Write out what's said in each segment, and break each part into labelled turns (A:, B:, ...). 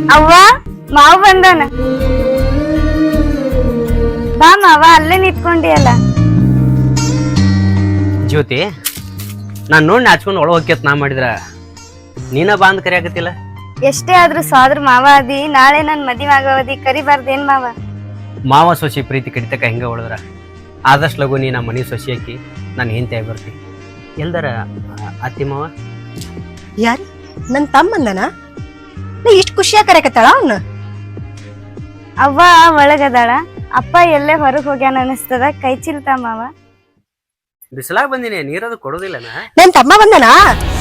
A: ಅವ್ವ ಮಾವ ಬಂದಾನ. ಬಾ ಮಾವ, ಅಲ್ಲೇ ನಿಂತ್ಕೊಂಡಿಯಲ್ಲ.
B: ಜ್ಯೋತಿ, ನಾನ್ ನೋಡಿ ನಾಚ್ಕೊಂಡು ಒಳ ಹೋಗ್ಯತ್ ನಾ ಮಾಡಿದ್ರ ನೀನ ಬಾ ಅಂತ ಕರಿಯಾಕತ್ತಿಲ್ಲ.
A: ಎಷ್ಟೇ ಆದ್ರೂ ಸಾದ್ರ ಮಾವ ಅದಿ. ನಾಳೆ ನನ್ ಮದ್ವೆ ಆಗವದಿ, ಕರಿಬಾರ್ದೇನ್ ಮಾವ?
B: ಮಾವ ಸೊಸಿ ಪ್ರೀತಿ ಕಡಿತಕ್ಕ ಹೆಂಗ ಹೊಳದ್ರ ಆದಷ್ಟು ಲಗು ನೀ ನಮ್ಮ ಮನೆ ಸೊಸಿ ಹಾಕಿ ನಾನು ಹೆಂಡತಿ ಬರ್ತಿ. ಎಲ್ದಾರ ಅತ್ತಿ ಮಾವ?
C: ಯಾರು? ನನ್ ತಮ್ಮಂದನ? ನಾ ಇಷ್ಟು ಖುಷಿಯಾಗಿ ಕರೆಕತ್ತಾಳ ಅವನ್ನ?
A: ಅವ್ವ ಒಳಗದಾಳ, ಅಪ್ಪ ಎಲ್ಲೇ ಹೊರಗ್ ಹೋಗ್ಯಾನ ಅನಿಸ್ತದ. ಕೈ ಚಿಲ್ತಾ ಮಾವ?
B: ಬಿಸಿಲಾಗ ಬಂದಿನಿ, ನೀರದು ಕೊಡೋದಿಲ್ಲನಾ?
C: ನನ್ ತಮ್ಮ ಬಂದನ?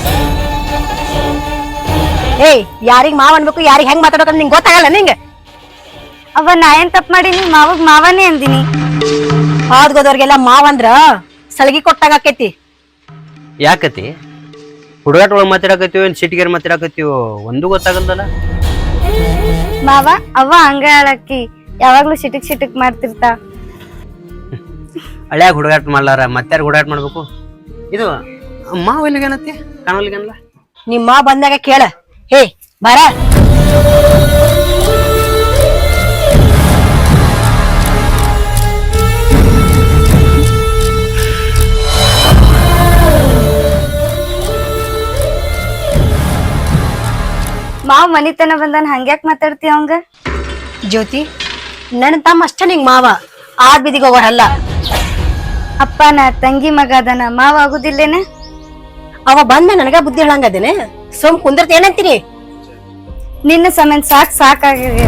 C: ಏಯ್, ಯಾರಿಗ್ ಮಾವ ಅನ್ಬೇಕು, ಯಾರಿಗ್ ಹೆಂಗ್ ಮಾತಾಡ್ಬೇಕಂತ ನಿಂಗೆ ಗೊತ್ತಾಗಲ್ಲ ನಿಂಗೆ?
A: ಅವ್ವ ನಾ ಏನ್ ತಪ್ಪ ಮಾಡೀನಿ? ಮಾವಗ್ ಮಾವನೇ ಅಂದಿನಿ.
C: ಹಾದ್ಗೋದವ್ರಿಗೆಲ್ಲ ಮಾವ ಅಂದ್ರ ಸಲಗಿ ಕೊಟ್ಟಾಗ ಆಕೈತಿ.
B: ಯಾಕತಿ ಹುಡುಗಾಟ ಒಳಗೆ ಮಾತಾಡಕತ್ತೀವೋ ಏನ್ ಸಿಟಿಗೇರ್ ಮಾತಾಡಕತ್ತೀವೋ ಒಂದು ಗೊತ್ತಾಗಲ್ದಲ್ಲ.
A: ಮಾವ ಅವ್ವ ಹಂಗ ಹೇಳಕ್ಕಿ ಯಾವಾಗ್ಲೂ ಸಿಟಿಕ್ ಮಾಡ್ತಿರ್ತಾ.
B: ಹಳ್ಯಾಗ ಹುಡುಗಾಟ ಮಾಡ್ಲಾರ ಮತ್ತಾರ ಹುಡುಗಾಟ ಮಾಡ್ಬೇಕು? ಇದು ಮಾವ ಎಲ್ಲಿಗೇನತ್ತಿ ಕಾಣಲಿಗನಲ್ಲ?
C: ನಿಮ್ಮ ಬಂದಾಗ ಕೇಳ. ಹೇ ಬರ.
A: ಮಾವ್ ಮನಿತನ ಬಂದಾನ, ಹಂಗ್ಯಾಕ್ ಮಾತಾಡ್ತಿ ಅವಂಗ?
C: ಜ್ಯೋತಿ, ನನ್ನ ತಮ್ಮ ಅಷ್ಟ ನಿಂಗ್ ಮಾವ, ಆದ್ ಬಿದಿಗೆ ಹೋಗೋರಲ್ಲ.
A: ಅಪ್ಪ ನಾ ತಂಗಿ ಮಗ ಅದನ, ಮಾವ ಆಗುದಿಲ್ಲೇನ?
C: ಅವ ಬಂದ ನನಗ ಬುದ್ಧಿ ಹೇಳಂಗದೇನೆ. ಸುಮ್ ಕುಂದಿರ್ತ ಏನಂತೀನಿ?
A: ನಿನ್ನ ಸಮನ್ ಸಾಕಾಗ್ಯದ.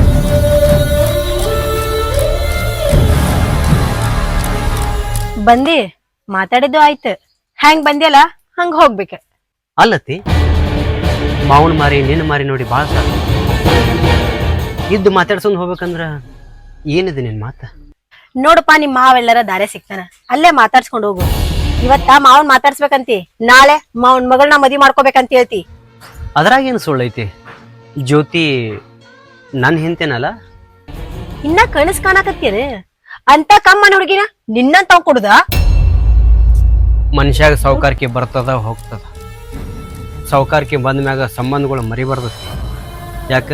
C: ಬಂದಿ ಮಾತಾಡಿದ್ದು ಆಯ್ತು, ಹೆಂಗ್ ಬಂದಿಯಲ್ಲ ಹಂಗ ಹೋಗ್ಬೇಕ.
B: ಅಲ್ಲತಿ ಮಾವನ್ ಮಾರಿ ನಿನ್ನ ಮಾರಿ ನೋಡಿ ಭಾಳ ಸಾಕು. ಇದ್ದು ಮಾತಾಡ್ಸೊಂಡ್ ಹೋಗ್ಬೇಕಂದ್ರ ಏನಿದೆ ನಿನ್ ಮಾತ?
C: ನೋಡಪ್ಪ, ನಿಮ್ ಮಾವೆಲ್ಲರ ದಾರೆ ಸಿಗ್ತಾನ, ಅಲ್ಲೇ ಮಾತಾಡ್ಸ್ಕೊಂಡ್ ಹೋಗು. ಇವತ್ತ ಮಾವನ್ ಮಾತಾಡ್ಸ್ಬೇಕಂತಿ, ನಾಳೆ ಮಾವನ್ ಮಗಳನ್ನ ಮದ್ವಿ ಮಾಡ್ಕೋಬೇಕಂತ ಹೇಳ್ತಿ.
B: ಅದ್ರಾಗೇನು ಸುಳ್ಳೈತಿ? ಜ್ಯೋತಿ ನನ್ ಹೆಂತೇನಲ್ಲ?
C: ಇನ್ನ ಕನಸ್ ಕಾಣಕತ್ತೇನೆ ಅಂತ ಕಮ್ಮನ ಹುಡುಗಿನ ನಿನ್ನ ತಾವ್ ಕೊಡುದ?
B: ಮನುಷ್ಯಾಗ ಸೌಕಾರಿಕೆ ಬರ್ತದ ಹೋಗ್ತದ. ಸೌಕಾರಿಕೆ ಬಂದ ಮ್ಯಾಗ ಸಂಬಂಧಗಳು ಮರಿಬಾರ್ದತಿ. ಯಾಕ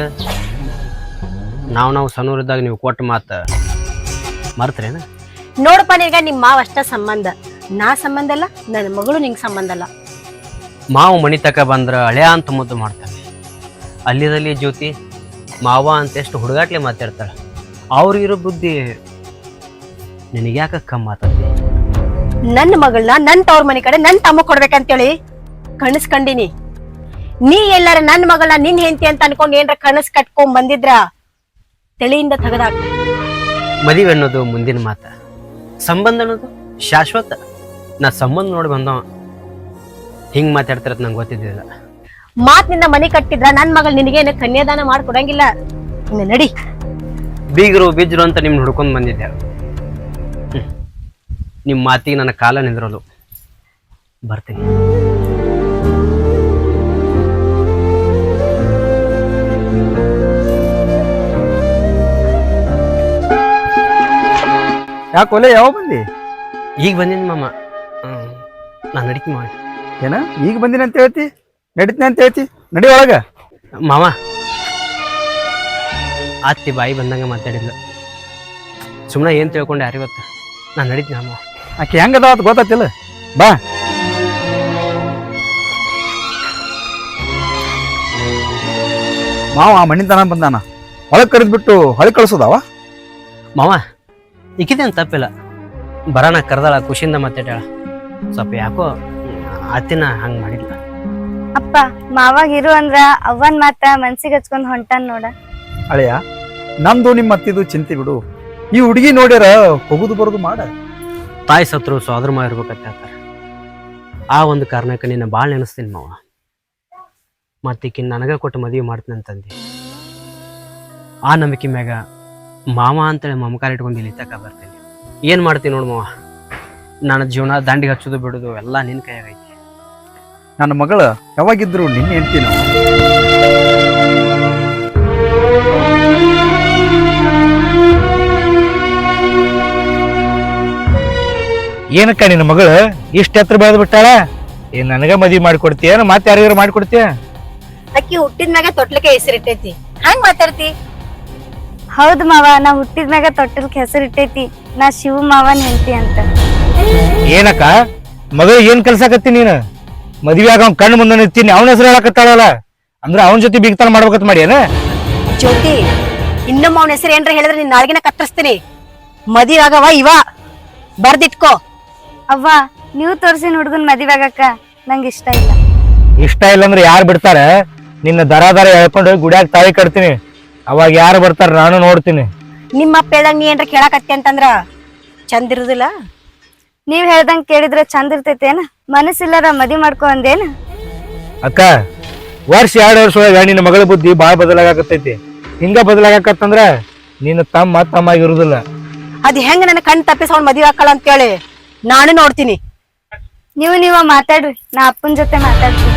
B: ನಾವು ಸಣ್ಣೂರಿದ್ದಾಗ ನೀವು ಕೊಟ್ಟ ಮಾತ ಮರ್ತರೇನ?
C: ನೋಡಪ್ಪ, ನಿನ್ಗ ನಿಮ್ ಮಾವ ಅಷ್ಟ ಸಂಬಂಧ, ನಾ ಸಂಬಂಧ ಅಲ್ಲ, ನನ್ನ ಮಗಳು ನಿಂಗ್ ಸಂಬಂಧ ಅಲ್ಲ.
B: ಮಾವು ಮಣಿ ತಕ ಬಂದ್ರ ಹಳೆಯ ಅಂತ ಮುದ್ದು ಮಾಡ್ತಾನೆ. ಅಲ್ಲಿದಲ್ಲಿ ಜ್ಯೋತಿ ಮಾವ ಅಂತ ಎಷ್ಟು ಹುಡುಗಾಟ್ಲೆ ಮಾತಾಡ್ತಾಳ. ಅವ್ರಿಗಿರೋ ಬುದ್ಧಿ ನಿನಗ್ಯಾಕ ಕಮ್ಮ ಮಾತಾಡ್ತಿ?
C: ನನ್ನ ಮಗಳನ್ನ ನನ್ ತವ್ರ ಮನೆ ಕಡೆ ನನ್ ತಮ್ಮ ಕೊಡ್ಬೇಕಂತೇಳಿ ಕನಸ್ ಕಂಡಿನಿ. ನೀ ಎಲ್ಲಾರ ನನ್ ಮಗಳನ್ನ ನಿನ್ ಹೆಂಡತಿ ಅಂತ ಅನ್ಕೊಂಡ್ ಏನ್ರ ಕನಸ್ ಕಟ್ಕೊಂಡ್ ಬಂದಿದ್ರ ತಿಳಿಯಿಂದ ತೆಗದಾಕ.
B: ಮದುವೆ ಅನ್ನೋದು ಮುಂದಿನ ಮಾತ, ಸಂಬಂಧ ಅನ್ನೋದು ಶಾಶ್ವತ. ನಾ ಸಂಬಂಧ ನೋಡಿ ಬಂದವ ಹಿಂಗ್ ಮಾತಾಡ್ತಿರತ್ ನಂಗೆ ಗೊತ್ತಿದ್ದಿಲ್ಲ.
C: ಮಾತ್ ನಿನ್ನ ಮನೆ ಕಟ್ಟಿದ್ರ ನನ್ ಮಗಳು ನಿನಗೇನು ಕನ್ಯಾದಾನ ಮಾಡ್ಕೊಡಂಗಿಲ್ಲ. ಇನ್ನು ನಡಿ.
B: ಬೀಗರು ಬಿಜ್ರು ಅಂತ ನಿಮ್ನ ಹುಡ್ಕೊಂಡ್ ಬಂದಿದ್ದೆ. ನಿಮ್ ಮಾತಿಗೆ ನನ್ನ ಕಾಲ ನಿಂದ್ರಲು. ಬರ್ತೀನಿ.
D: ಯಾಕೊಲೆ ಯಾವ ಬಂದಿ?
B: ಈಗ ಬಂದಿನಿ ಮಾಮ. ನಾನು ನಡಿಕೆ ಮಾಡಿ.
D: ಏನ ಈಗ ಬಂದಿನ ಅಂತ ಹೇಳ್ತಿ, ನಡಿತೀನಿ ಅಂತ ಹೇಳ್ತಿ? ನಡಿ ಒಳಗ.
B: ಮಾಮ ಅತ್ತಿ ಬಾಯಿ ಬಂದಂಗ ಮಾತಾಡಿದ್ಲು. ಸುಮ್ಮನೆ ಏನ್ ತಿಳ್ಕೊಂಡೆ ಯಾರಿಗೊತ್ತ? ನಾನು ನಡೀತೀನಿ ಮಾಮ.
D: ಆಕೆ ಹೆಂಗದ ಅಂತ ಗೊತ್ತಾತಿಲ್ಲ. ಬಾ. ಮಾವ ಮಣ್ಣಿನ ಬಂದಾನ, ಒಳಗ್ ಕರೆದ್ಬಿಟ್ಟು ಹೊಳಿ ಕಳ್ಸೋದವ?
B: ಮಾವ ಇಕ್ಕಿದೇನು ತಪ್ಪಿಲ್ಲ, ಬರೋಣ ಕರೆದಾಳ, ಖುಷಿಯಿಂದ ಮಾತಾಡ್ಯಾಳ. ಸ್ವಲ್ಪ ಯಾಕೋ ಅತ್ತಿನ ಹಂಗ್ ಮಾಡಿಲ್ಲ.
A: ಅಪ್ಪ ಮಾವಾಗ ಇರು ಅಂದ್ರ ಅವ್ವನ್ ಮಾತ ಮನ್ಸಿಗೆ ಹಚ್ಕೊಂಡ್ ಹೊಂಟಾನ್ ನೋಡ.
D: ಅಳೆಯ, ನಮ್ದು ನಿಮ್ಮ ಅತ್ತಿದು ಚಿಂತೆ ಬಿಡು. ಈ ಹುಡುಗಿ ನೋಡ್ಯಾರ ಹೋಗುದು ಬರೋದು ಮಾಡ.
B: ತಾಯಿ ಸತ್ರು ಸೋದರ ಮಾವ ಇರ್ಬೇಕಂತ ಹೇಳ್ತಾರ. ಆ ಒಂದು ಕಾರಣಕ್ಕೆ ನಿನ್ನ ಭಾಳ ನೆನೆಸ್ತೀನಿ ಮಾವ. ಮತ್ತಿಕ್ಕಿನ್ ನನಗ ಕೊಟ್ಟು ಮದುವೆ ಮಾಡ್ತೀನಿ ಅಂತಂದು ಆ ನಂಬಿಕೆ ಮ್ಯಾಗ ಮಾವ ಅಂತೇಳಿ ಮಮಕಾರ ಇಟ್ಕೊಂಡು ಇಲ್ಲಿ ತಕ ಬರ್ತೀನಿ. ಏನು ಮಾಡ್ತೀನಿ ನೋಡು ಮಾವ, ನನ್ನ ಜೀವನ ದಂಡಿಗೆ ಹಚ್ಚೋದು ಬಿಡೋದು ಎಲ್ಲ ನಿನ್ನ ಕೈಯಾಗೈತಿ.
D: ನನ್ನ ಮಗಳ ಯಾವಾಗಿದ್ರು ನಿನ್ನೆ ಹೆಂಡ್ತಿ ನಾವು.
E: ಏನಕ್ಕ ನಿನ್ನ ಮಗಳು ಇಷ್ಟ ಎತ್ತರ ಬೆಳೆದ್ ಬಿಟ್ಟಾಳ? ಏನ್ ನನಗ ಮದ್ವಿ ಮಾಡ್ಕೊಡ್ತೀಯ, ಮತ್ತೆ ಯಾರಿಗಾರ ಮಾಡ್ಕೊಡ್ತೀಯ?
C: ಅಕ್ಕಿ ಹುಟ್ಟಿದ ಮ್ಯಾಗ ತೊಟ್ಲಕ್ಕೆ ಹೆಸರಿಟ್ಟೈತಿ, ಹಂಗ್ ಮಾತಾಡ್ತಿ?
A: ಹೌದ್ ಮಾವ, ನಾ ಹುಟ್ಟಿದ್ಮ್ಯಾಗ ತೊಟ್ಟಲ್ಕ್ ಹೆಸರಿಟ್ಟೈತಿ ನಾ ಶಿವ ಮಾವನ್ ಹೆಂಡತಿ ಅಂತ.
E: ಏನಕ್ಕ ಮಗಳು ಏನ್ ಕಲ್ಸಾಕತ್ತಿ ನೀನು? ಮದ್ವೆ ಆಗ ಅವ್ನ ಕಣ್ಣು ಮುಂದೆ ನಿಂತೀನಿ ಅವನ ಹೆಸರು ಹೇಳಕತ್ತಾಳಲ್ಲ, ಅಂದ್ರೆ ಅವನ ಜೊತೆ ಬೀಗ್ತಾನ ಮಾಡ್ಬೇಕಂತ ಮಾಡಿ ಏನ?
C: ಜ್ಯೋತಿ, ಇನ್ನೊಮ್ಮ ಅವನ ಹೆಸರು ಏನ್ರ ಹೇಳಿದ್ರೆ ನಿನ್ ನಾಲ್ಗಿನ ಕತ್ತರಿಸ್ತೀನಿ. ಮದುವೆ ಆಗವ ಇವ, ಬರ್ದಿಟ್ಕೋ.
A: ಅವ್ವ, ನೀವು ತೋರ್ಸಿನ ಹುಡುಗನ್ ಮದ್ವೆ ಆಗಕ್ಕ ನಂಗೆ ಇಷ್ಟ ಇಲ್ಲ.
E: ಇಷ್ಟ ಇಲ್ಲ ಅಂದ್ರೆ ಯಾರು ಬಿಡ್ತಾರ? ನಿನ್ನ ದರ ಹೇಳ್ಕೊಂಡು ಗುಡಿಯಾಗ ತಾಳಿ ಕಟ್ತೀನಿ, ಅವಾಗ ಯಾರು ಬರ್ತಾರ ನಾನು ನೋಡ್ತೀನಿ.
C: ನಿಮ್ಮ ಅಪ್ಪ ಹೇಳ್ದಂಗ ನೀ ಏನ್ರ ಕೇಳಾಕತ್ತಿ ಅಂತಂದ್ರ ಚಂದ ಇರುದಿಲ್ಲ.
A: ನೀವ್ ಹೇಳ್ದಂಗ್ ಕೇಳಿದ್ರೆ ಚಂದ ಇರ್ತೈತೇನ? ಮನಸ್ಸಿಲ್ಲಾರ ಮದ್ವಿ ಮಾಡ್ಕೊ ಅಂದೇನ?
E: ಅಕ್ಕ, ವರ್ಷ 2 ವರ್ಷ ಒಳಗ ನಿನ್ನ ಮಗಳ ಬುದ್ಧಿ ಬಾಳ ಬದಲಾಗತ್ತೈತಿ. ಹಿಂಗ ಬದಲಾಗತ್ತಂದ್ರ ನಿನ್ನ ತಮ್ಮ ಆಗಿರುದಿಲ್ಲ.
C: ಅದ್ ಹೆಂಗ ನನ್ನ ಕಣ್ ತಪ್ಪಿಸ ಅವ್ನ ಮದ್ವೆ ಹಾಕಲ್ಲ ಅಂತೇಳಿ ನಾನು ನೋಡ್ತೀನಿ.
A: ನೀವ ಮಾತಾಡ್ರಿ, ನಾ ಅಪ್ಪನ ಜೊತೆ ಮಾತಾಡ್ತೀನಿ.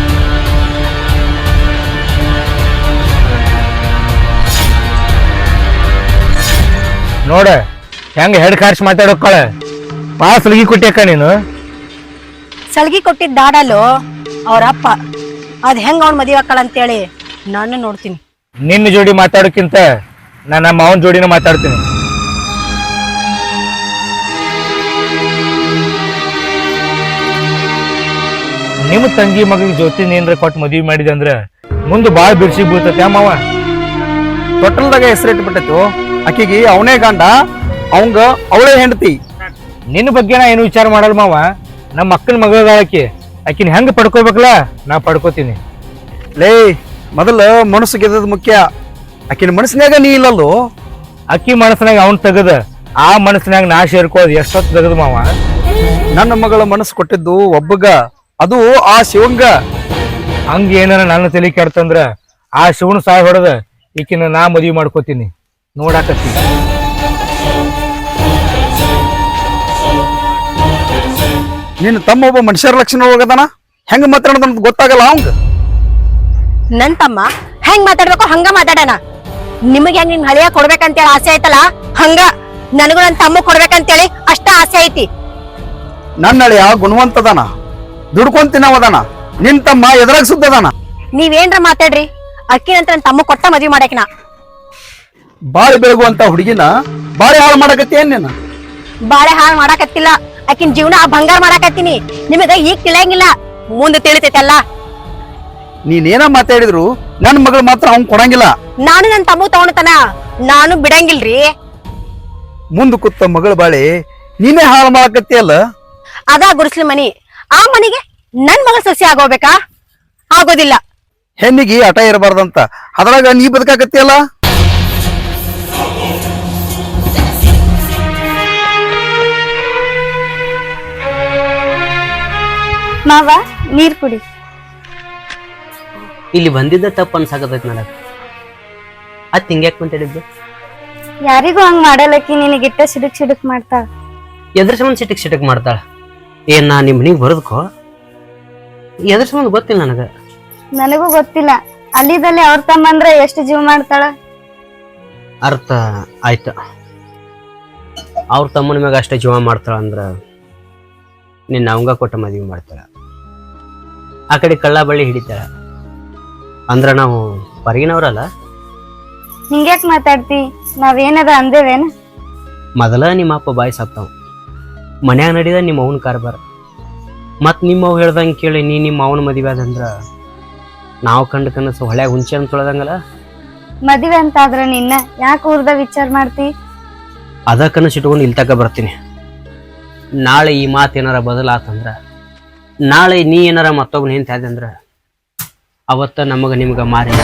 E: ನೋಡ ಹೆಂಗ ಹೆಡ್ ಕಾರ್ಸಿ ಮಾತಾಡೋಕ್ಕಳ ಪಾಸ್ ಲಗಿ ಕೊಟ್ಟಿಯಕ್ಕ ನೀನು.
C: ಸಲ್ಗಿ ಕೊಟ್ಟಿದ್ದ ದಾಡಲು ಅವ್ರ ಅಪ್ಪ, ಅದ್ ಹೆಂಗ ಅವ್ನ ಮದ್ವೆ ಹಾಕಲ್ಲ ಅಂತೇಳಿ ನಾನು ನೋಡ್ತೀನಿ.
E: ನಿನ್ನ ಜೋಡಿ ಮಾತಾಡೋಕ್ಕಿಂತ ನಾನು ನಮ್ಮ ಅವನ ಜೋಡಿನ ಮಾತಾಡ್ತೀನಿ. ನಿಮ್ಮ ತಂಗಿ ಮಗಳಿಗೆ ಜೊತೆ ಏನ್ರ ಕೊಟ್ಟು ಮದ್ವಿ ಮಾಡಿದೆ ಅಂದ್ರ ಮುಂದೆ ಬಾಳ ಬಿರ್ಸಿಗೆ ಬೀಳ್ತೈತೆ ಮಾವ.
D: ತೊಟ್ಟಲ್ದಾಗ ಹೆಸರಿಟ್ಬಿಟ್ಟೈತು. ಆಕಿಗೆ ಅವನೇ ಗಂಡ, ಅವಂಗ ಅವಳೇ ಹೆಂಡತಿ.
E: ನಿನ್ನ ಬಗ್ಗೆ ನಾ ಏನು ವಿಚಾರ ಮಾಡಲ್ಲ ಮಾವ. ನಮ್ಮ ಅಕ್ಕನ ಮಗಳಾಕಿ, ಆಕಿನ ಹೆಂಗ ಪಡ್ಕೋಬೇಕಲ್ಲ ನಾ ಪಡ್ಕೋತೀನಿ.
D: ಲೇ, ಮೊದಲ ಮನಸ್ಸು ಗೆದ್ದದ್ ಮುಖ್ಯ. ಆಕಿನ ಮನಸ್ಸಿನಾಗ ನೀ ಇಲ್ಲಲ್ಲೋ.
E: ಅಕ್ಕಿ ಮನಸ್ಸಿನಾಗ ಅವ್ನ್ ತೆಗದ ಆ ಮನಸ್ಸಿನಾಗ ನಾ ಸೇರ್ಕೋದ್ ಎಷ್ಟೊತ್ತು ತೆಗದ ಮಾವ.
D: ನನ್ನ ಮಗಳ ಮನಸ್ಸು ಕೊಟ್ಟಿದ್ದು ಒಬ್ಬಗ, ಅದು ಆ ಶಿವಂಗ.
E: ಹಂಗ ಏನಾರ ನನ್ನ ತಲೆ ಕೆಡ್ತಂದ್ರ ಆ ಶಿವನ ಸಾಯ್ ಹೊಡೆದ ಈಕಿನ ನಾ ಮದ್ವಿ ಮಾಡ್ಕೋತೀನಿ. ನೋಡಾಕತ್ತಿ
D: ನಿನ್ನ ತಮ್ಮ ಒಬ್ಬ ಮನುಷ್ಯರ ಲಕ್ಷಣ ಹೋಗದನ, ಹೆಂಗ ಮಾತಾಡೋದ ಅಂತ ಗೊತ್ತಾಗಲ್ಲ ಅವಂಗ.
C: ನನ್ ತಮ್ಮ ಹೆಂಗ್ ಮಾತಾಡ್ಬೇಕು ಹಂಗ ಮಾತಾಡೋಣ. ನಿಮಗೆ ಹೆಂಗ್ ನಿನ್ ಹಳೆಯ ಕೊಡ್ಬೇಕಂತೇಳಿ ಆಸೆ ಆಯ್ತಲ್ಲ, ಹಂಗ ನನಗೂ ನನ್ ತಮ್ಮ ಕೊಡ್ಬೇಕಂತೇಳಿ ಅಷ್ಟ ಆಸೆ ಐತಿ.
D: ನನ್ನ ಹಳೆಯ ಗುಣವಂತದಾನ, ದುಡ್ಕೊಂತಿನವದಾನ. ನಿನ್ ತಮ್ಮ ಎದ್ರಾಗ ಸುದ್ದದಾನ.
C: ನೀವೇನ್ರ ಮಾತಾಡ್ರಿ, ಅಕ್ಕಿ ನಂತರ ನನ್ ತಮ್ಮ ಕೊಟ್ಟ ಮದ್ವಿ ಮಾಡಕ್ ನಾ.
D: ಬಾಳಿ ಬೆಳಗುವಂತ ಹುಡುಗಿನ ಬಾಳಿ ಹಾಳು ಮಾಡಕತ್ತಿ ಏನ್ ನೀನು?
C: ಬಾಳೆ ಹಾಳು ಮಾಡಾಕತ್ತಿಲ್ಲ, ಆಕಿನ ಜೀವನ ಬಂಗಾರ ಮಾಡಾಕತ್ತೀನಿ. ನಿಮಗ ಈಗ ತಿಳಿಯಂಗಿಲ್ಲ, ಮುಂದೆ ತಿಳಿತೈತಲ್ಲ.
D: ನೀನೇನ ಮಾತಾಡಿದ್ರು ನನ್ನ ಮಗಳು ಮಾತ್ರ ಅವ್ನ್ ಕೊಡಂಗಿಲ್ಲ.
C: ನಾನು ನನ್ ತಮ್ಮ ತಗೊಂಡತನ ನಾನು ಬಿಡಂಗಿಲ್ರಿ.
D: ಮುಂದ್ ಕೂತ ಮಗಳ ಬಾಳಿ ನೀನೇ ಹಾಳು ಮಾಡಕತ್ತಿ ಅಲ್ಲ.
C: ಅದ ಗುಡಿಸ್ಲಿ ಮನಿ, ಆ ಮನಿಗೆ ನನ್ ಮಗ ಸಸಿ ಆಗೋಬೇಕಾ? ಆಗೋದಿಲ್ಲ.
D: ಹೆಣ್ಣಿಗೆ ಹಠ ಇರಬಾರ್ದಂತ ಅದ್ರಾಗ ನೀ ಬದುಕಾಕತ್ತಿ ಅಲ್ಲ.
A: ಮಾವ, ನೀರ್ ಕುಡಿ.
B: ಇಲ್ಲಿ ಬಂದಿದ್ದ ತಪ್ಪು ಅನ್ಸಾಕತೈತಿ ನನಗ. ಅದ್ ಹಿಂಗ್ಯಾಕ್ ಮಾತಾಡಿದ್ದು?
A: ಯಾರಿಗೂ ಹಂಗ್ ಮಾಡಲಕ್ಕಿ, ನಿನಗಿಟ್ಟ ಸಿಡುಕ್ ಮಾಡ್ತಾಳ.
B: ಎದ್ರ ಸಂಬಂಧ ಸಿಟಕ್ ಮಾಡ್ತಾಳ? ಏನ್ ನಾ ನಿಮ್ ಮನಿಗ್ ಬರೋದಕ್ಕೋ? ಎದ್ರ ಸಂಬಂಧ ಗೊತ್ತಿಲ್ಲ ನನಗ.
A: ನನಗೂ ಗೊತ್ತಿಲ್ಲ. ಅಲ್ಲಿದಲ್ಲಿ ಅವ್ರ ತಮ್ಮ ಅಂದ್ರೆ ಎಷ್ಟು ಜೀವ ಮಾಡ್ತಾಳ.
B: ಅರ್ಥ ಆಯ್ತ. ಅವ್ರ ತಮ್ಮನ ಮ್ಯಾಗ ಅಷ್ಟೇ ಜೀವ ಮಾಡ್ತಾಳ ಅಂದ್ರ ನಿನ್ನ ಅವಂಗ ಕೊಟ್ಟ ಮದ್ವಿ ಮಾಡ್ತಾಳ. ಆ ಕಡೆ ಕಳ್ಳ ಬಳ್ಳಿ ಹಿಡಿತಾಳ ಅಂದ್ರ ನಾವು ಹೊರಗಿನವ್ರಲ್ಲ.
A: ಹಿಂಗ್ಯಾಕ್ ಮಾತಾಡ್ತಿ? ನಾವೇನದ ಅಂದೇವೇನ?
B: ಮೊದಲ ನಿಮ್ಮ ಅಪ್ಪ ಬಾಯಿ ಸತ್ತಾವ, ಮನ್ಯಾಗ ನಡೀದ ನಿಮ್ಮ ಅವನ ಕಾರ್ಬಾರ. ಮತ್ ನಿಮ್ಮ ಅವ್ ಹೇಳ್ದಂಗೆ ಕೇಳಿ ನೀ ನಿಮ್ಮ ಅವನ ಮದುವೆ ಆದಂದ್ರ ನಾವು ಕಂಡ ಕನಸು ಹೊಳ್ಯಾಗ ಹುಂಚೆ ಅಂತ ತೊಳೆದಂಗಲ್ಲ.
A: ಮದುವೆ ಅಂತ ಆದ್ರ ನಿನ್ನ ಯಾಕೆ ಊರ್ದ ವಿಚಾರ ಮಾಡ್ತಿ?
B: ಅದ ಕನಸು ಇಟ್ಕೊಂಡು ಇಲ್ಲಿ ತಕ ಬರ್ತೀನಿ. ನಾಳೆ ಈ ಮಾತು ಏನಾರ ಬದಲಾತಂದ್ರ, ನಾಳೆ ನೀ ಏನಾರ ಮತ್ತೊಬ್ಬನ ನಿಂತಾದೆ ಅಂದ್ರ ಅವತ್ತ ನಮಗ ನಿಮ್ಗ ಮಾರಿ.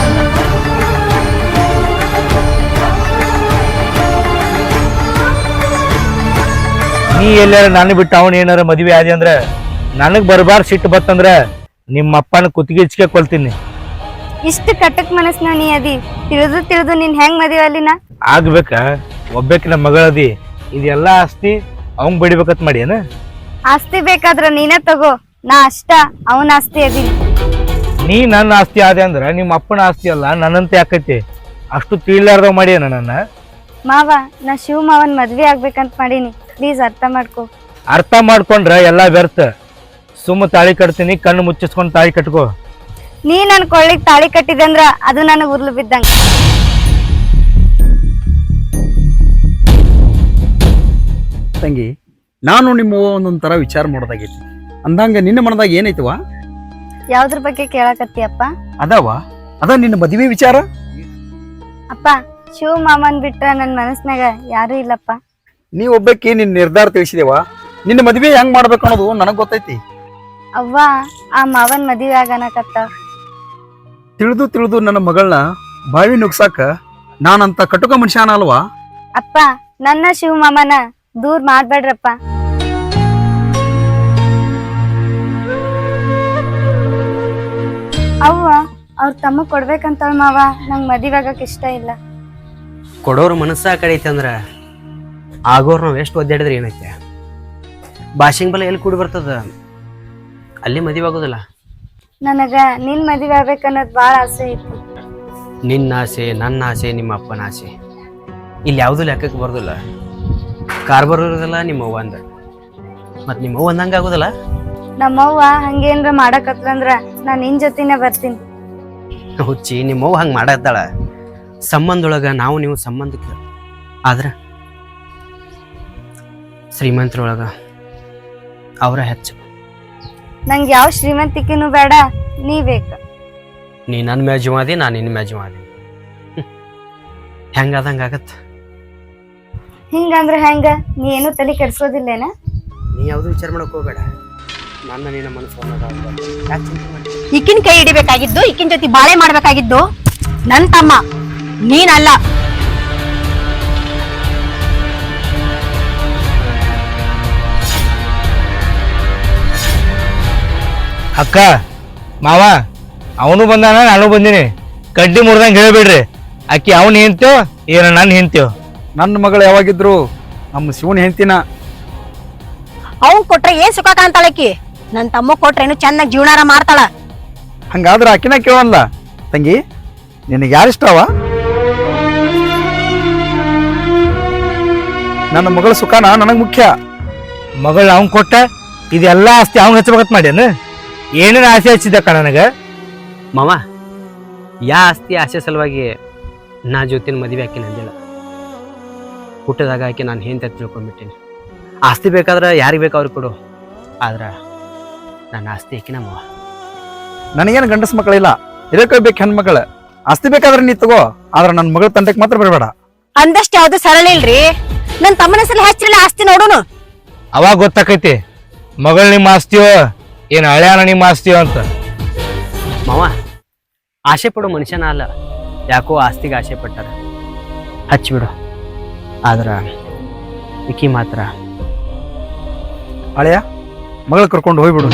E: ನೀ ಎಲ್ಲಾರ ನಾನು ಬಿಟ್ಟು ಅವನ್ ಏನಾರ ಮದ್ವೆ ಆದಿ ಅಂದ್ರ ನನಗ್ ಬರ್ಬಾರ್ ಸಿಟ್ಟು ಬತ್ತಂದ್ರ ನಿಮ್ಮ ಅಪ್ಪನ ಕುತ್ತಿಗೆ ಇಚ್ಕೆ ಕೊಲ್ತೀನಿ.
A: ಇಷ್ಟು ಕಟಕ್ ಮನಸ್ನ ನೀ ಅದಿ, ತಿಳಿದು ನಿನ್ ಹೆಂಗ್ ಮದುವೆ ಅಲ್ಲಿನ
E: ಆಗ್ಬೇಕ? ಒಬ್ಬಾಕಿನ ಮಗಳದಿ, ಇದೆಲ್ಲಾ ಆಸ್ತಿ ಅವಂಗ್ ಬಡಿಬೇಕತ್ ಮಾಡಿ ಏನ?
A: ಆಸ್ತಿ ಬೇಕಾದ್ರ ನೀನೇ ತಗೋ, ನಾ ಅಷ್ಟ ಅವನ ಆಸ್ತಿ ಅದೀನಿ.
E: ನೀ ನನ್ನ ಆಸ್ತಿ ಆದೆ ಅಂದ್ರ ನಿಮ್ಮ ಅಪ್ಪನ ಆಸ್ತಿ ಅಲ್ಲ ನನ್ನಂತೆ ಆಕೈತಿ. ಅಷ್ಟು ತಿಳಿಲಾರ್ದವ್ ಮಾಡಿ ನನ್ನ.
A: ಮಾವ, ನಾ ಶಿವ ಮಾವನ್ ಮದ್ವೆ ಆಗ್ಬೇಕಂತ ಮಾಡೀನಿ, ಪ್ಲೀಸ್ ಅರ್ಥ ಮಾಡ್ಕೋ.
E: ಅರ್ಥ ಮಾಡ್ಕೊಂಡ್ರ ಎಲ್ಲಾ ವ್ಯರ್ಥ. ಸುಮ್ಮ ತಾಳಿ ಕಟ್ತೀನಿ, ಕಣ್ಣು ಮುಚ್ಚಿಸ್ಕೊಂಡ್ ತಾಳಿ ಕಟ್ಕೋ.
A: ನೀ ನನ್ ಕೊಳ್ಳಿಗ್ ತಾಳಿ ಕಟ್ಟಿದೆ ಅಂದ್ರ ಅದು ನನಗ್ ಉರ್ಲು ಬಿದ್ದಂಗ.
D: ತಂಗಿ, ನಾನು ನಿಮ್ಮ ಒಂದೊಂದ್ ತರ ವಿಚಾರ ಮಾಡೋದಾಗೈತಿ. ಅಂದಂಗ ನಿನ್ನ ಮನದಾಗ ಏನೈತವ?
A: ಯಾವ್ದ್ರ ಬಗ್ಗೆ ಕೇಳಕತ್ತೀಯಪ್ಪ?
D: ಅದ ನಿನ್ನ ಮದುವೆ ವಿಚಾರ.
A: ಅಪ್ಪ, ಶಿವ ಮಾಮನ್ ಬಿಟ್ರ ನನ್ ಮನಸ್ನಾಗ ಯಾರು ಇಲ್ಲಪ್ಪ.
D: ನೀ ಒಬ್ಬಕ್ಕೆ ನಿನ್ನ ನಿರ್ಧಾರ ತಿಳಿಸಿದೇವ. ನಿನ್ನ ಮದುವೆ ಹೆಂಗ್ ಮಾಡ್ಬೇಕು ಅನ್ನೋದು ನನಗ್ ಗೊತ್ತೈತಿ.
A: ಅವ್ವ ಆ ಮಾವನ್ ಮದುವೆ ಆಗನಕತ್ತ.
D: ತಿಳಿದು ನನ್ನ ಮಗಳನ್ನ ಬಾವಿ ನುಗ್ಸಾಕ ನಾನಂತ ಕಟುಕ ಮನುಷ್ಯನ ಅಲ್ವಾ?
A: ಅಪ್ಪ, ನನ್ನ ಶಿವ ಮಾಮನ ದೂರ್ ಮಾಡ್ಬೇಡ್ರಪ್ಪ. ಅವ್ವ ಅವ್ರ ತಮ್ಮ ಕೊಡ್ಬೇಕಂತ ಮಾವ, ನಂಗ್ ಮದುವೆ ಆಗಕ್ ಇಷ್ಟ ಇಲ್ಲ.
B: ಕೊಡೋರು ಮನಸ್ಸ ಆ ಕಡೆ ಐತೆ ಅಂದ್ರೆ ಆಗೋರು ನಾವು ಎಷ್ಟು ಒದ್ದಾಡಿದ್ರೆ ಏನೈತೆ? ಭಾಷೆಂಗ್ ಬಲ ಎಲ್ಲಿ ಕೂಡಿ ಬರ್ತದ, ಅಲ್ಲಿ ಮದುವೆ ಆಗೋದಿಲ್ಲ.
A: ನನಗ ನಿನ್ ಮದುವೆ ಆಗ್ಬೇಕನ್ನೋದ್ ಬಾಳ ಆಸೆ ಐತಿ.
B: ನಿನ್ನ ಆಸೆ, ನನ್ನ ಆಸೆ, ನಿಮ್ಮ ಅಪ್ಪನ ಆಸೆ ಇಲ್ಲಿ ಯಾವುದು ಲೆಕ್ಕಕ್ಕೆ ಬರೋದಿಲ್ಲ. ಕಾರ್ಬಾರ್ ಇರೋದಿಲ್ಲ ನಿಮ್ಮ ಅವ್ವ ಅಂದ, ಮತ್ತು ನಿಮ್ಮ ಅವ್ವ ಅಂದಂಗೆ ಆಗೋದಿಲ್ಲ.
A: ನಮ್ಮವ್ವ ಹಂಗೇನ್ರ ಮಾಡಕತ್ಲಂದ್ರ ನಾನ್ ನಿನ್ ಜೊತೆನೆ ಬರ್ತೀನಿ.
B: ಹುಚ್ಚಿ, ನಿಮ್ಮ ಅವ್ವ ಹಂಗೆ ಮಾಡತ್ತಾಳ. ಸಂಬಂಧೊಳಗ ನಾವು ನೀವು ಸಂಬಂಧಕ್ಕೆ ಆದ್ರೆ ಶ್ರೀಮಂತರೊಳಗ ಅವರ ಹೆಚ್ಚು.
A: ನಂಗೆ ಯಾವ ಶ್ರೀಮಂತಿಕೆನೂ ಬೇಡ, ನೀ ಬೇಕು.
B: ನೀ ನನ್ನ ಮ್ಯಾಜುವಾದಿ, ನಾನು ನಿನ್ನ ಮ್ಯಾಜುವಾದಿ. ಹೆಂಗಾದಂಗೆ ಆಗತ್ತ.
A: ಹಿಂಗಂದ್ರ ಹೆಂಗ? ನೀ ಏನು ತಲೆ ಕೆಡ್ಸೋದಿಲ್ಲೇನ?
B: ನೀ ಯಾವುದು ವಿಚಾರ ಮಾಡಕ್ ಹೋಗ್ಬೇಡ. ನನ್ನ ನಿನ್ನ ಮನಸ್ಸು
C: ಈಕಿನ ಕೈ ಹಿಡಿಬೇಕಾಗಿದ್ದು, ಈಕಿನ ಜೊತೆ ಬಾಳೆ ಮಾಡ್ಬೇಕಾಗಿದ್ದು ನನ್ ತಮ್ಮ, ನೀನಲ್ಲ.
E: ಅಕ್ಕ ಮಾವ ಅವನು ಬಂದಾನ, ನಾನು ಬಂದೀನಿ. ಕಡ್ಡಿ ಮುರ್ದಂಗೆ ಹೇಳ್ಬೇಡ್ರಿ. ಅಕ್ಕಿ ಅವನ್ ಹೆಂತ್ಯೋ ಏನ ನನ್ನ ಹೆಂತ್ಯೋ?
D: ನನ್ನ ಮಗಳು ಯಾವಾಗಿದ್ರು ನಮ್ಮ ಶಿವನ್ ಹೆಂಡ್ತಿನ.
C: ಅವ್ನ್ ಕೊಟ್ರೆ ಏನ್ ಸುಖ ಕಾಣ್ತಾಳಕಿ, ನನ್ ತಮ್ಮ ಕೊಟ್ರೇನು ಚೆನ್ನಾಗಿ ಜೀವನಾರ ಮಾಡ್ತಾಳ.
D: ಹಂಗಾದ್ರೆ ಆಕಿನ ಕೇಳಲ್ಲ. ತಂಗಿ, ನಿನಗೆ ಯಾರಿಷ್ಟವ? ನನ್ನ ಮಗಳ ಸುಖನ ನನಗ್ ಮುಖ್ಯ.
E: ಮಗಳು ಅವ್ನ್ ಕೊಟ್ಟ ಇದೆಲ್ಲ ಆಸ್ತಿ ಅವ್ನ್ ಹಚ್ಬೇಕತ್ ಮಾಡ್ಯಾನ. ಏನೇನು ಆಸೆ ಹಚ್ಚಿದಕ್ಕ ನನಗ?
B: ಮಾವ, ಯಾ ಆಸ್ತಿ ಆಸೆ ಸಲುವಾಗಿ ನಾ ಜೊತಿನ ಮದುವೆ ಹಾಕಿ ನಂದಿಲ್ಲ. ಹುಟ್ಟದಾಗ ಹಾಕಿ ನಾನು ಹೆಂತ ತಿಳ್ಕೊಂಡ್ಬಿಟ್ಟೀನಿ. ಆಸ್ತಿ ಬೇಕಾದ್ರೆ ಯಾರಿಗೆ ಬೇಕು ಅವ್ರಿಗೆ ಕೊಡು, ಆದ್ರೆ ನನ್ನ ಆಸ್ತಿ ಹಾಕಿ ನಮ್ಮವ.
D: ನನಗೇನು ಗಂಡಸ ಮಕ್ಕಳಿಲ್ಲ, ಇದಕ್ಕೆ ಬೇಕು ಹೆಣ್ಮಕ್ಳ. ಆಸ್ತಿ ಬೇಕಾದ್ರೆ ನೀ ತಗೋ, ಆದ್ರೆ ನನ್ನ ಮಗಳ ತಂಟೆಗೆ ಮಾತ್ರ ಬರಬೇಡ.
C: ಅಂದಷ್ಟು ಯಾವ್ದು ಸರಳ ಇಲ್ರಿ. ನನ್ ತಮ್ಮನ ಸಲ ಹಚ್ಚಿರಲ್ಲ ಆಸ್ತಿ ನೋಡೋನು.
E: ಅವಾಗ ಗೊತ್ತಾಕೈತಿ ಮಗಳು ನಿಮ್ಮ ಆಸ್ತಿಯೋ ಏನ್ ಹಳ್ಯಾನ ನಿಮ್ಮ ಆಸ್ತಿಯೋ ಅಂತ.
B: ಮಾವ, ಆಸೆ ಪಡೋ ಮನುಷ್ಯನ ಅಲ್ಲ, ಯಾಕೋ ಆಸ್ತಿಗೆ ಆಸೆ ಪಟ್ಟಾರ. ಹಚ್ಚಿಬಿಡು, ಆದ್ರ ಇಕ್ಕಿ ಮಾತ್ರ
D: ಹಳೆಯ ಮಗಳು ಕರ್ಕೊಂಡು ಹೋಗ್ಬಿಡು.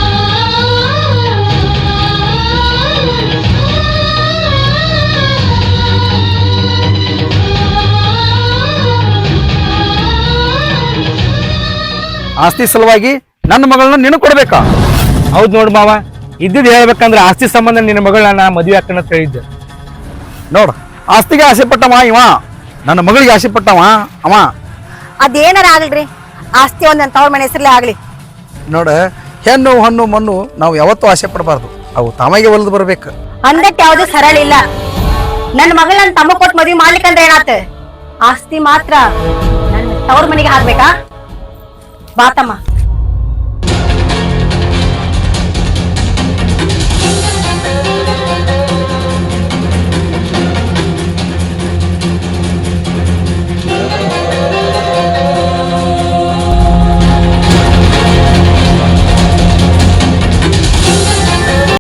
D: ಆಸ್ತಿ ಸಲುವಾಗಿ ನನ್ನ ಮಗಳನ್ನ ನೀನು ಕೊಡ್ಬೇಕಾ?
E: ಹೌದ್ ನೋಡ್ ಮಾವ, ಇದ್ದಿದ್ ಹೇಳ್ಬೇಕಂದ್ರ ಆಸ್ತಿ ಸಂಬಂಧ ನಿನ್ನ ಮಗಳನ್ನ ನಾ ಮದ್ವೆ ಹಾಕಣ ಅಂತ ಹೇಳಿದ್ದೆ.
D: ನೋಡ್, ಆಸ್ತಿಗೆ ಆಸೆ ಪಟ್ಟವ ಇವ, ನನ್ನ ಮಗಳಿಗೆ ಆಸೆ ಪಟ್ಟವ ಅವ.
C: ಅದೇನಾರ ಆಗ್ಲ್ರಿ, ಆಸ್ತಿ ಒಂದ್ ನನ್ ತವ್ರ ಮನೆ ಹೆಸರ್ಲೆ ಆಗ್ಲಿ.
D: ನೋಡ, ಹೆಣ್ಣು ಹಣ್ಣು ಮಣ್ಣು ನಾವು ಯಾವತ್ತೂ ಆಸೆ ಪಡಬಾರ್ದು, ಅವು ತಾಮಾಗೆ ಒಲ್ದು ಬರ್ಬೇಕು.
C: ಅಂದಟ್ ಯಾವ್ದು ಸರಳ ಇಲ್ಲ. ನನ್ ಮಗಳ ನನ್ ತಮ್ಮ ಕೊಟ್ಟು ಮದ್ವಿ ಮಾಡ್ಲಿಕ್ಕಂದ್ರೆ ಏನಾತ? ಆಸ್ತಿ ಮಾತ್ರ ನನ್ನ ತವ್ರ ಮನೆಗೆ ಹಾಕ್ಬೇಕಾ? ಬಾತಮ್ಮ.